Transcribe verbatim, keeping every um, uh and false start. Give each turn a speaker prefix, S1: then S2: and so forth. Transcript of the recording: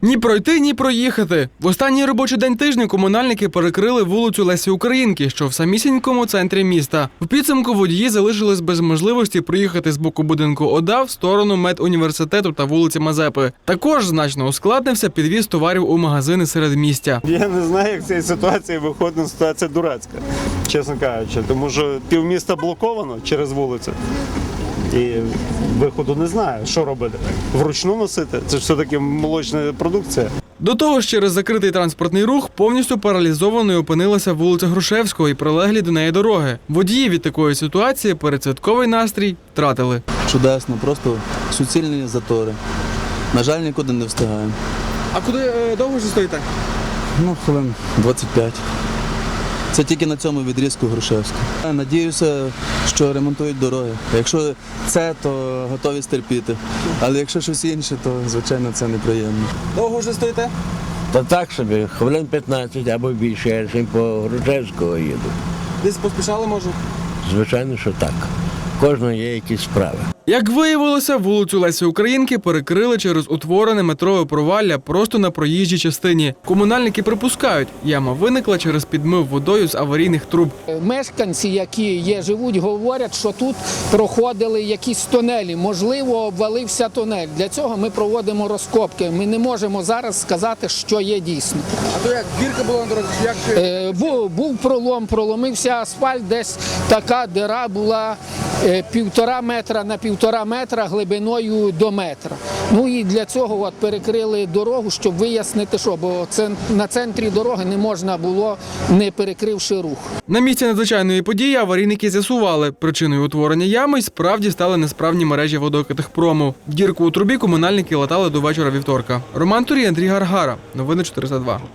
S1: Ні пройти, ні проїхати. В останній робочий день тижня комунальники перекрили вулицю Лесі Українки, що в самісінькому центрі міста. В підсумку водії залишились без можливості проїхати з боку будинку ОДА в сторону медуніверситету та вулиці Мазепи. Також значно ускладнився підвіз товарів у магазини середмістя.
S2: Я не знаю, як з цієї ситуації виходить, ситуація дурацька, чесно кажучи, тому що півміста блоковано через вулицю. І виходу не знаю, що робити. Вручну носити? Це ж все-таки молочна продукція.
S1: До того ж, через закритий транспортний рух повністю паралізованою опинилася вулиця Грушевського і прилеглі до неї дороги. Водії від такої ситуації передсвятковий настрій втратили.
S3: Чудесно, просто суцільні затори. На жаль, нікуди не встигаємо.
S1: А куди е, довго ж стоїте?
S3: Ну, хвилин двадцять п'ять. Це тільки на цьому відрізку Грушевського. Надіюся, що ремонтують дороги. Якщо це, то готові стерпіти. Але якщо щось інше, то, звичайно, це неприємно.
S1: Довго вже стоїте?
S4: Та так собі, хвилин п'ятнадцять або більше, я ж по Грушевського їду.
S1: Десь поспішали, може?
S4: Звичайно, що так. Кожного є якісь справи.
S1: Як виявилося, вулицю Лесі Українки перекрили через утворене метрове провалля просто на проїжджій частині. Комунальники припускають, яма виникла через підмив водою з аварійних труб.
S5: Мешканці, які є, живуть, говорять, що тут проходили якісь тунелі. Можливо, обвалився тунель. Для цього ми проводимо розкопки. Ми не можемо зараз сказати, що є дійсно.
S1: А то як, дірка була на дорозі? Як...
S5: Е, був, був пролом, проломився асфальт, десь така дира була е, півтора метра на півтора метра глибиною до метра. Ну і для цього от перекрили дорогу, щоб вияснити, що, бо це, на центрі дороги не можна було, не перекривши рух.
S1: На місці надзвичайної події аварійники з'ясували, причиною утворення ями й справді стали несправні мережі водокатехпрому. Дірку у трубі комунальники латали до вечора вівторка. Роман Турій, Андрій Гаргара. Новини чотириста два.